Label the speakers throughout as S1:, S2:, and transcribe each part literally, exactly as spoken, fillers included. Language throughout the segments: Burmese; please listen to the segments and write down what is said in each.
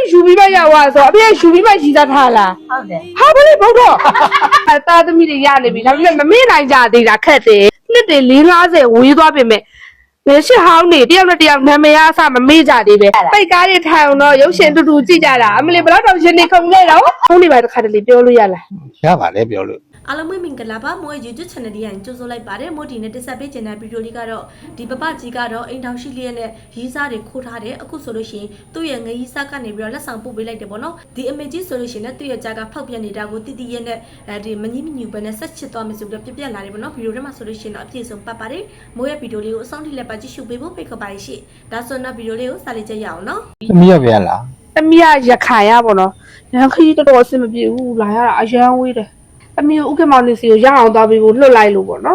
S1: ယူပြီးမရောက်သွားဆိုအဖေကယူပြီးမှရီးသားထားလား
S2: ဟုတ်တယ်
S1: ဟာဘယ်လိုဘုတ်တော့အဲသားသမီးတွေရနေပြီဒါပေမဲ့မမေ့နိုင်ကြသေးတာခက်တယ်နှစ်တွေ၄၅၀ဝေးသွားပြင်မဲ့လေရှစ်ဟောင်းနေတယောက်နဲ့တယောက်နာမည်အဆမမေ့ကြသေးပဲပိတ်ကားတွေထိုင်အောင်တော့ရုပ်ရှင်တူတူကြည့်ကြတာအမလီဘယ်တော့ရှင်နေခုံနေတော့ဖုန်းတွေပါတစ်ခါတလေပြောလို့ရလား
S3: ရပါလေပြောလို့
S4: အားလုံးမင်္ဂလာပါမိုး YouTube channel လေးရင်ကြိုဆိုလိုက်ပါတယ်မိုးဒီနဲ့တက်ဆက်ပေးခြင်းတဲ့ဗီဒီယိုလေးကတော့ဒီပပကြီးကတော့အိမ်ထောင်ရှိလျက်နဲ့ရီးစားတွေခိုးထားတယ်အခုဆိုလို့ရှိရင်သူ့ရဲ့ငရီးစားကနေပြီးတော့လက်ဆောင်ပို့ပေးလိုက်တယ်ပေါ့နော်ဒီအမေကြီးဆိုလို့ရှိရင်လည်းသူ့ရဲ့ကြားကဖောက်ပြနေတာကိုတည်တည်ရဲ့နဲ့အဲဒီမငြင်းမညူပဲနဲ့ဆက်ချစ်သွားမယ်ဆိုပြီးတော့ပြပြလာတယ်ပေါ့နော်ဗီဒီယိုထဲမှာဆိုလို့ရှိရင်တော့အပြည့်စုံပတ်ပါတယ်မိုးရဲ့ဗီဒီယိုလေးကိုအဆုံးထိလည်းပါကြည့်ရှုပေးဖို့ဖိတ်ခေါ်ပါရှိဒါဆိုတော့ဗီဒီယိုလေးကိုစလိုက်ကြရအောင်နော်
S3: သမီးရပြန်လား
S1: သမီးကရခိုင်ရပေါ့နော်ရန်ခရီးတော်တော်အဆင်မပြေဘူးလာရတာအရန်ဝေးတယ်သမီးကိုဥက္ကမောင်နေစီကိုရအောင်သွားပြီးဖို့လွတ်လိုက်လို့ပေါ့နော်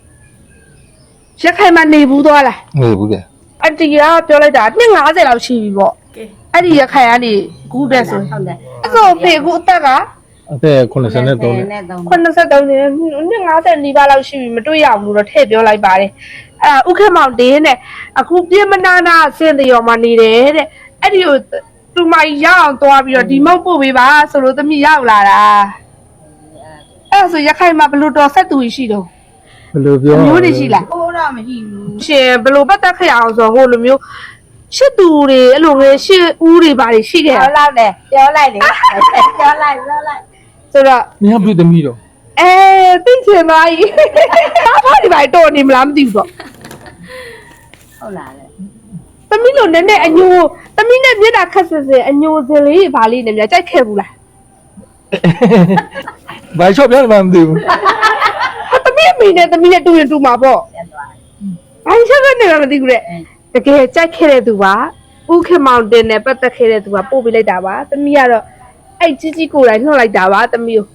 S1: ရခိုင်မှာနေဘူးသွားလား
S3: နေဘူးက
S1: အတီကပြောလိုက်တာနှစ်၅၀လောက်ရှိပြီပေါ့အဲ့ဒီရခိုင်ကနေကူးတဲ့ဆို
S2: ဟုတ်တယ်
S1: အဲ့ဆိုဖေကူအသက်က
S3: အသက်83နဲ့
S1: 83နဲ့နှစ်၅၀နီးပါးလောက်ရှိပြီမတွေ့ရဘူးလို့ထည့်ပြောလိုက်ပါတယ်အဲ့ဥက္ကမောင်တင်းတဲ့အခုပြင်းမနာနာအစင်တရော်မှာနေတယ်တဲ့အဲ့ဒီကိုသူမရအောင်သွားပြီးတော့ဒီမုတ်ပို့ပေးပါဆိုလို့သမီးရောက်လာတာအဲ့ဆိုရခိုင်မှာဘလို့တော်ဆက်သူရှိတော့
S3: ဘယ်လိုပြော
S1: မျိုးတွေရှိလား
S2: ဟိုတော့မရှိဘူး
S1: ရှင်ဘလို့ပတ်သက်ခရအောင်ဆိုဟိုလိုမျိုးရှစ်သူတွေအဲ့လိုငယ်ရှစ်ဦးတွေပါရှိခဲ့
S2: ပြောလိုက်တယ်ပြောလိုက်လေပြောလိုက်ပြောလိုက်
S1: ဆိုတော့
S3: မင်းပြည့်သမီးတော့
S1: အဲသိချင်ပါကြီးဘာဒီပါတော်နေမလားမသိဘူးတော့
S2: ဟုတ်လားလေ
S1: သမီးလိုနည်းနည်းအညိုသမီးနဲ့မျက်နှာခက်ဆစ်ဆင်အညိုစင်လေးဘာလေးနဲ့များကြိုက်ခဲ့ဘူးလား
S3: ဘာချော့ပြောမှမသိဘူး
S1: ဟာသမီးအမေနဲ့သမီးနဲ့တူရင်တူမှာပေါ့ဘာချော့ကနေမှမသိဘူးတဲ့တကယ်ကြိုက်ခဲ့တဲ့သူပါဥက္ကမောင်တင်နဲ့ပတ်သက်ခဲ့တဲ့သူကပို့ပေးလိုက်တာပါသမီးကတော့အဲ့ကြီးကြီးကိုယ်တိုင်နှုတ်လိုက်တာပါသမီးကို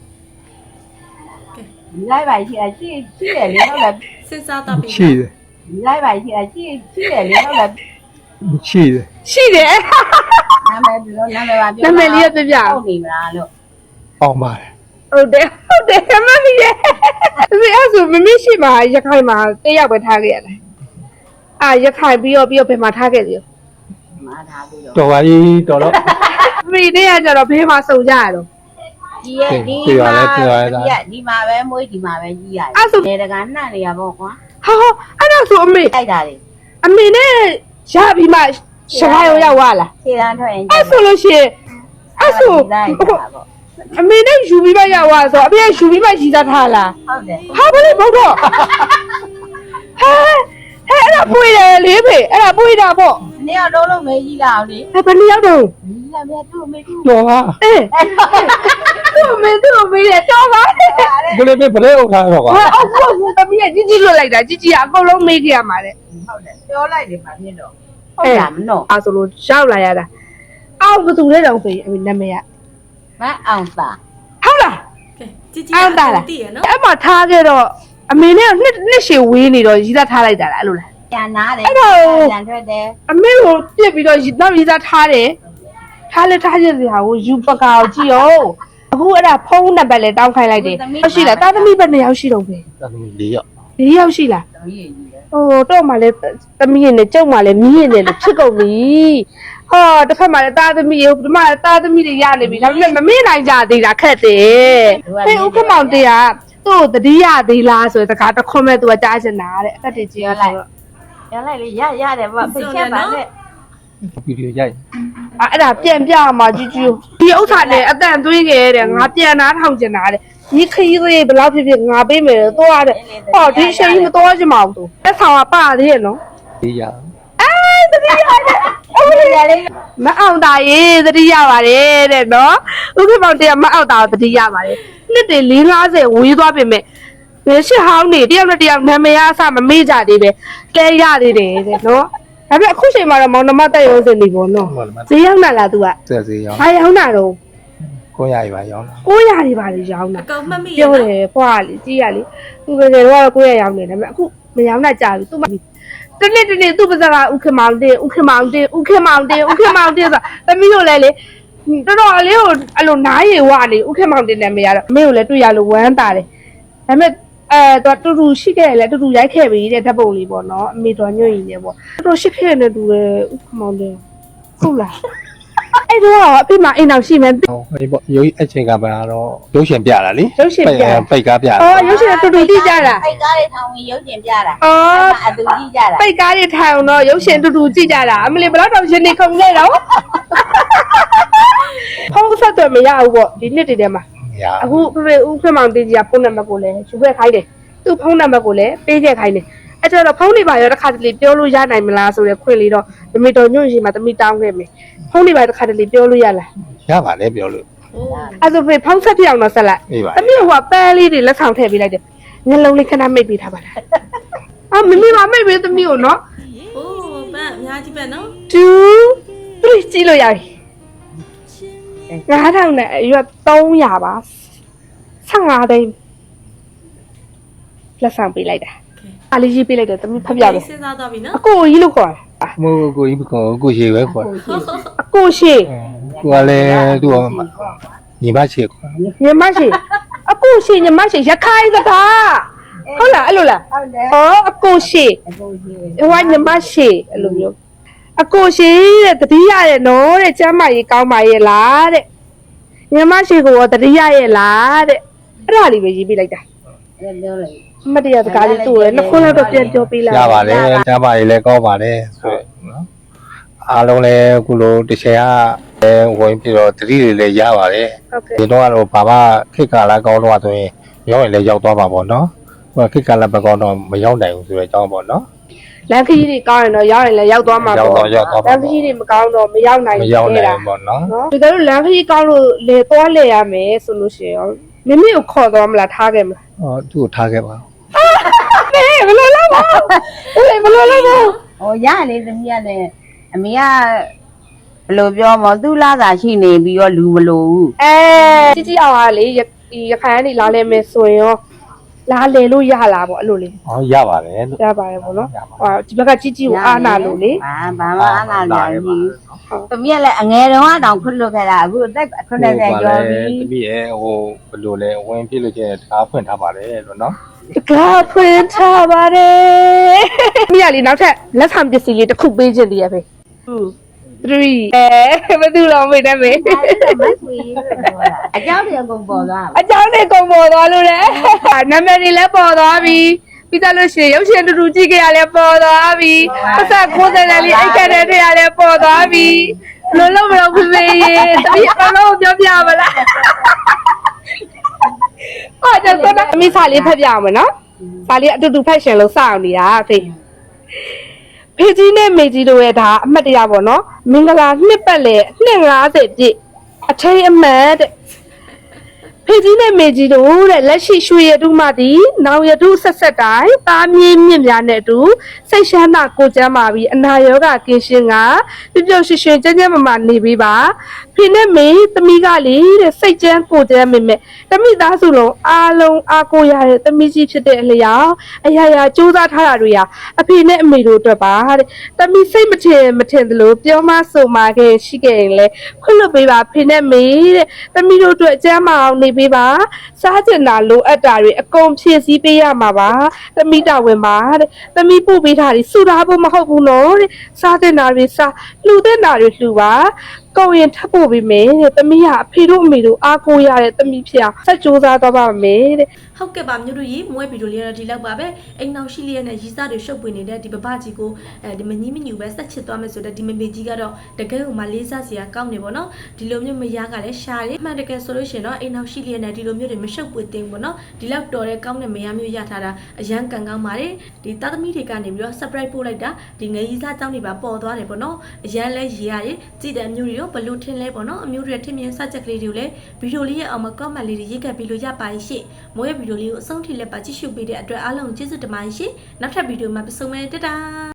S2: လိုက်ပါရှိအရှိရှိတယ်လေဟုတ်လား
S4: စဉ်းစားတော့ပြီ
S3: ရှိတယ်
S2: လိုက်ပါရှိအရှိရှိတယ်လေဟုတ်လား
S3: ရှိတယ်
S1: ရှိတယ်
S2: နာမည်ဘယ်လိုနာမည်ပါပြော
S1: နာမည်လေးပြပြ
S2: ဟုတ်ပြီမလားလို့
S3: အောင်ပါတယ်
S1: ဟုတ်တယ်ဟုတ်တယ်မမီးရဲ့ဒီအဲ့ဆိုမမီးရှိမှာရခိုင်မှာတယောက်ပဲထားခဲ့ရတယ်အာရခိုင်ပြီးတော့ပြီးတော့ဘယ်မှာထားခဲ့လဲ
S2: မှာထားပြီးတော့
S3: တော်ပါကြီးတော်တော့
S1: မိတဲ့ကကြတော့ဘယ်မှာစုံကြရတော့
S2: ဒီရဲ့ဒီမှာဒီမှာပဲမွေးဒီမှာပဲကြီးရတယ်နေတကာနှံ့နေရပေါ့ကွ
S1: ာဟာအဲ့ဒါဆိုအမေ
S2: တိုက်တာလေ
S1: အမေနဲ့ရပြီးမှရှခိုင်ရောရောက်သွားလား
S2: ခြေတန်းထွက်ရင်
S1: အဲ့ဆိုလို့ရှိရင်အဲ့ဆိုအမေနဲ့ယူပြီးမှရောက်သွားဆိုအဖေကယူပြီးမှရီးသားထားလား
S2: ဟုတ်တယ်
S1: ဟာဘယ်လိုဘုတ်တော့ဟဲဟဲအဲ့ဒါပွေတယ်လေဖေအဲ့ဒါပွေတာပေါ့
S2: နေ့ရောက်တော့လို့မေးကြီးလာအောင်လေ
S1: အဲ့ဘယ်နေ့ရောက်တော့
S2: ကြီးလာမြတ်သူ့မေးသူ့
S3: တော်ပါ
S1: အေးသူ့မေးသူ့မေးတယ်တော်ပါ
S3: ဘယ်လိုပဲဘယ်လိုအခါတော့ကွာ
S1: အော်ဟုတ်သမီးကကြီးကြီးလွတ်လိုက်တာကြီးကြီးကအကုန်လုံးမေးကြရမှာတဲ့
S2: ဟုတ်တယ်ပြောလိုက်တယ်ပါဖြစ်တော့ဟုတ်လားမနော်
S1: အဲ့ဆိုလို့ရောက်လာရတာအော်ဘသူလဲတောင်ဆိုရင်အမေနာမည်က
S2: မအောင်သာ
S1: ဟုတ်လား
S4: ကဲជីជីအောင်တာလားတည်ရနော်
S1: အဲ့မှာထားခဲ့တော့အမေနဲ့နှစ်နှစ်ရှည်ဝေးနေတော့ရီးသားထားလိုက်တာလားအဲ့လိုလား
S2: ပြန်နာတယ်ပြန်ထွက်တယ်
S1: အမေကိုပြစ်ပြီးတော့နောက်ရီးသားထားတယ်ထားလဲထားရစီဟာကိုယူပကာကိုကြည့်အောင်အခုအဲ့ဒါဖုန်းနံပါတ်လဲတောင်းခိုင်းလိုက်တယ်ဟုတ်ရှိလားတာသမီပဲနှစ်ယောက်ရှိတော့ပဲ
S3: တာသမီ၄ယောက်
S1: ၄ယောက်ရှိလား
S2: သမီးကြီးလေ
S1: ဟိုတော့မှလဲသမီးနဲ့ကျုပ်မှလဲမီးရင်နဲ့ဖြစ်ကုန်ပြီဟောတစ်ခါမှလဲတာသမီးဒီမှာတာသမီးတွေရနေပြီဒါပေမဲ့မမေ့နိုင်ကြသေးတာခက်တယ်ဖေဥက္ကမောင်တရားသူ့တတိယသေးလားဆိုတဲ့စကားတစ်ခွန်းမဲ့သူကကြားချင်တာတဲ့အသက်တွေကြီးရလိုက်
S2: ရလိုက်လေရရတယ်ဗျဖိတ်ချက်ပါနဲ့
S3: ဗီဒီယိုရိုက်
S1: အဲ့ဒါပြန်ပြမှာကြည့်ကြည့်ဒီဥစ္စာနဲ့အတန်သွင်းခဲ့တဲ့ငါပြန်နာထောင်ကျင်တာတဲ့ဒီခရီးလေးဘယ်လောက်ဖြစ်ဖြစ်ငါပေးမယ်သွားတဲ့ဟောဒီချိန်ကြီးမသွားချင်ပါဘူးသူလက်ဆောင်ကပါသေးရဲ့နော်
S3: ဒီရ
S1: အဲတတိယရတယ်အဲ့ဒါလေးမအောင်တာရေတတိယပါတယ်တဲ့နော်ဥက္ကမောင်တရားမအောင်တာတတိယပါတယ်နှစ်တွေ၄၅၀ဝေးသွားပြင်မဲ့လေရှစ်ဟောင်းနေတယောက်နဲ့တယောက်နာမည်အဆမမေ့ကြသေးပဲကဲရသေးတယ်တဲ့နော်ဒါပေမဲ့အခုချိန်မှာတော့မောင်နှမတက်ရုံးစင်နေပေါ့နော်ဈေးရောက်လာလား तू က
S3: ဆက်ဈေးရောက်
S1: ဘာရောက်တာတော့
S3: ကိုရရပါရောက်လာ
S1: ကိုရရပါလေရောက်တာ
S4: အကောင်မှတ်မိ
S1: ပြောတယ်ဖွာလေကြည့်ရလေ तू ပဲကတော့ကိုရရောက်နေတယ်ဒါပေမဲ့အခုမရောက်တာကြာပြီ तू တနေ့တနေ့ तू ပါစကဥက္ကမောင်တင်ဥက္ကမောင်တင်ဥက္ကမောင်တင်ဥက္ကမောင်တင်ဆိုသမီးတို့လည်းလေတော်တော်လေးကိုအဲ့လိုနားရည်ဝနေဥက္ကမောင်တင်နာမည်ရတော့အမေကိုလည်းတွေ့ရလို့ဝမ်းတာတယ်ဒါပေမဲ့အဲတော့တူတူရှိခဲ့လေတူတူရိုက်ခဲ့ပြီတဲ့ဓာတ်ပုံလေးပေါ့နော်အမေတော်ညွန့်ရင်လည်းပေါ့တော်တော်ရှိခဲ့နေတူတယ်ဥက္ကမောင်တင်ဟုတ်လားအဲ့တော့အဖေမအိမ်အောင်ရှိမယ်
S3: ဟိုဟေးပေါ့ရုပ်အချိန်ကပါတော့ရုပ်ရှင်ပြတာလေ
S1: ရုပ်ရှင်ပြ
S3: ပိတ်ကားပြတာ
S1: အော်ရုပ်ရှင်တူတူကြည့်ကြတာ
S2: အဲ့ကားလေးထောင်ဝင်ရုပ်ရှင်ပြတာ
S1: အော်
S2: အတူကြည့်ကြတာ
S1: ပိတ်ကားတွေထိုင်အောင်တော့ရုပ်ရှင်တူတူကြည့်ကြတာအမလီဘယ်တော့ရှင်နေခုံနေတော့ဖုန်းဆက်တော့မရဘူးပေါ့ဒီနှစ်တည်းတည်းမှာ
S3: ရ
S1: အခုဖေဖေဦးဖေမောင်တေးကြီးကဖုန်းနံပါတ်ကိုလည်းယူခဲ့ခိုင်းတယ်သူ့ဖုန်းနံပါတ်ကိုလည်းပေးခဲ့ခိုင်းတယ်အဲ့တော့ဖုန်းတွေပါရောတစ်ခါတလေပြောလို့ရနိုင်မလားဆိုတဲ့ခွင့်လေးတော့မမေတော်ညွန့်ရှင်မှာတမိတောင်းခဲ့မယ်ဖုန်းတွေပါတစ်ခါတလေပြောလို့ရလား
S3: ရပါလေပြောလို့
S4: အိုး
S1: အဲ့ဆိုဖေဖုန်းဆက်ပြအောင်တော့ဆက်လိုက်
S3: အေးပါ
S1: တမီးကပန်းလေးတွေလက်ဆောင်ထည့်ပေးလိုက်တယ်ငလုံးလေးခဏမိတ်ပေးထားပါလားအာမမီမမိတ်ပေးသမီးကိုနော်
S4: အိုးပန်းအများကြီးပဲနော်
S1: two three ကြည့်လို့ရပြီငါးထောင်နဲ့အရွက်သုံးရာပါဆယ့်ငါးသိန်းလက်ဆောင်ပေးလိုက်တာအားလေးရေးပေးလိုက်တယ်သမီးဖတ်ပြမယ်
S4: စဉ်းစားသွားပြီနော်
S1: အကိုကြီးလို့ခေါ်တာ
S3: မို့ကိုကြီးကိုကိုရှိပဲခေါ်
S1: အကိုရှိ
S3: ကိုကလည်းသူ့ညီမရှိခေါ်
S1: ညီမရှိအကိုရှိညီမရှိရခိုင်စကားဟုတ်လားအဲ့လိုလား
S2: ဟုတ်တယ်
S1: ဩအကိုရှိ
S2: အကိုကြီး
S1: ဟိုကညီမရှိအဲ့လိုမျိုးအကိုရှိတဲ့တတိယရဲ့နော်တဲ့ကျမ်းမကြီးကောင်းပါရဲ့လားတဲ့ညီမရှိကိုရောတတိယရဲ့လားတဲ့အဲ့ဒါလေးပဲရေးပေးလိုက်တာ
S2: အဲ့ပြောလိုက်
S1: အမတ်တရားစကားလေးသူ့ရဲ့နှစ်ခွန်းလောက်တော့ပြန်ပြောပေးလိုက်
S3: ရပါလေကျမ်းပါရေးလည်းကောင်းပါတယ်ဆိုနော်အားလုံးလည်းအခုလိုတစ်ချင်ကဝင်ပြီးတော့တတိတွေလည်းရပါတယ်
S1: ဟုတ်ကဲ့
S3: ဒီတော့ကတော့ဘာမှခိတ်ကာလာကောင်းတော့ဆိုရင်ရောက်ရင်လည်းရောက်သွားပါပေါ့နော်ဟိုခိတ်ကာလာမကောင်းတော့မရောက်နိုင်ဘူးဆိုတဲ့အကြောင်းပေါ့နော်
S1: လမ်းခရီးတွေကောင်းရင်တော့ရောက်ရင်လည်းရောက်သွားမှာ
S3: ရောက်
S1: ပေါ့
S3: တော့ရောက်သွား
S1: လ
S3: ပါ
S1: မ်းခရီးတွေမကောင်းတော့မရောက်နိုင်
S3: မ
S1: ဘူး
S3: ရောက်နိုင်
S1: တာ
S3: ဘူးပေါ့နော်
S1: နော်ဒီကနေ့လမ်းခရီးကောင်းလို့လေသွားလေရမယ်ဆိုလို့ရှိရင်ရောမိမိကိုခေါ်သွားမလားထားခဲ့မလား
S3: ဟောသူ့ကိုထားခဲ့ပါ
S1: ဟေးဘယ်လိုလဲပါဘယ်လိုလဲပါ
S2: ဟိုရလေသမီးကလည်းအမေကဘယ်လိုပြောမလဲသူ့လာသာရှိနေပြီးတော့လူမလို့ဘူး
S1: အဲជីជីအောင်ကလေဒီရခိုင်ကနေလာလဲမယ်ဆိုရင်ရောလာလေလို့ရလားပေါ့အဲ့လိုလေ
S3: ဟောရပါတယ်လို့
S1: ရပါတယ်ပေါ့နော်ဟောဒီဘက်ကជីជីကိုအားနာလို့လေ
S2: ဘာဘာမှအားနာလို့ဘူးသမီးကလည်းအငယ်တုန်းကတောင်ခွတ်လွတ်ခဲ့တာအခုအသက်ခုနှစ်ဆယ်ကျော်ပြီ
S3: တပည့်ရဲ့ဟိုဘယ်လိုလဲဝင်ပြည့်လို့ချင်းတကားဖွင့်ထားပါတယ်လို့နော်
S1: တကားဖွင့်ထားပါတယ်မိရလေးနောက်ထပ်လက်ဆောင်ပစ္စည်းလေးတစ်ခုပေးခြင်းတည်းရဖေtwo three အဲဘယ်သူလောမေးတယ်မေ
S2: အကြောင်းတွေအကုန်ပေါ်သွား
S1: အကြောင်းတွေကုန်ပေါ်သွားလို့လေနာမည်တွေလည်းပေါ်သွားပြီပြီးသားလို့ရှိရင်ရုပ်ရှင်တူတူကြည့်ကြရလဲပေါ်သွားပြီပတ်သက်ကိုယ်စတယ်လေးအိတ်ကတဲ့တွေရလဲပေါ်သွားပြီလုံးလုံးမလို့ဖေဖေရေတပည့်အလုံးပြောပြမလားအော်ကျတော့အမိစာလေးဖတ်ပြအောင်မနော်စာလေးအတူတူဖတ်ရှင်လို့စအောင်နေတာဖေဖေကြီးနဲ့မေကြီးတို့ရဲ့ဒါအမှတ်တရပေါ့နော်မင်္ဂလာနှစ်ပတ်လေနှစ်၅၀ပြည့်အထိတ်အမှတ်တဲ့ဖေကြီးနဲ့မေကြီးတို့တဲ့လက်ရှိရွှေရတုမှသည်နောင်ရတုဆက်ဆက်တိုင်းသားမြင့်မြင့်များနဲ့အတူစိတ်ရှမ်းသာကိုကျမ်းပါပြီးအနာရောဂါကင်းရှင်းကပြုပြုရွှေရွှေကျန်းကျန်းမာမာနေပေးပါဖေနဲ့မေသမီးကလေတဲ့စိတ်ကျန်းကိုကျန်းမိမဲ့တမိသားစုလုံးအားလုံးအားကိုရတဲ့သမီးကြီးဖြစ်တဲ့အလျောက်အရာရာစူးစမ်းထားတာတွေဟာအဖေနဲ့အမေတို့အတွက်ပါတဲ့တမိစိတ်မထင်မထင်သလိုပြောမဆိုမာခဲ့ရှိခဲ့ရင်လေခွင့်လွတ်ပေးပါဖေနဲ့မေတဲ့သမီးတို့အတွက်ကျန်းမာအောင်နေပေးပါစားကျင်တာလိုအပ်တာတွေအကုန်ဖြည့်ဆည်းပေးရမှာပါသမီးတော်ဝင်ပါတဲ့သမီးပို့ပေးတာတွေစုထားဖို့မဟုတ်ဘူးနော်တဲ့စားတဲ့နာတွေစားလှူတဲ့နာတွေလှူပါကောင်းရင်ထပ်ပို့ပေးမယ်တဲ့သမီးကအဖေတို့အမေတို့အားကိုးရတဲ့သမီးဖြစ်အောင်ဆက်ကြိုးစားသွားပါမယ်တဲ့
S4: ဟုတ်ကဲ့ပါမြို့တို့ရေမွေးဗီဒီယိုလေးတော့ဒီလောက်ပါပဲအိမ်နောက်ရှိလေးနဲ့ရီးစားတွေရှုပ်ပွေနေတဲ့ဒီပပကြီးကိုအဲဒီမကြီးမညူပဲဆက်ချစ်သွားမယ်ဆိုတော့ဒီမမေကြီးကတော့တကယ်ကိုမှလေးစားစရာကောင်းနေပေါ့နော်ဒီလိုမျိုးမရကလည်းရှာတယ်မှန်တကယ်ဆိုလို့ရှိရင်တော့အိမ်နောက်ရှိလေးနဲ့ဒီလိုမျိုးတွေမရှုပ်ပွေသိဘူးပေါ့နော်ဒီလောက်တော်တဲ့ကောင်းတဲ့မရမျိုးရထားတာအရန်ကန်ကောင်းပါတယ်ဒီသားသမီးတွေကနေပြီးတော့ surprise ပို့လိုက်တာဒီငယ်ရီးစားကြောင်းတွေပါပေါ်သွားတယ်ပေါ့နော်အရန်လဲရေးရတယ်ကြည်တဲ့အမျိုးတွေရောဘလို့ထင်လဲပေါ့နော်အမျိုးတွေထင်မြင်စချက်ကလေးတွေကိုလည်းဗီဒီယိုလေးရဲ့အောက်မှာ comment လေးတွေရေးခဲ့ပြီးလို့ရပါရဲ့ရှင့်မွေးဗီဒီယိုလေးကိုအဆုံးထိလက်ပါကြည့်ရှုပေးတဲ့အတွက်အားလုံးကျေးဇူးတင်ပါတယ်ရှင်နောက်ထပ်ဗီဒီယိုမှာပြန်ဆုံမယ်တတာ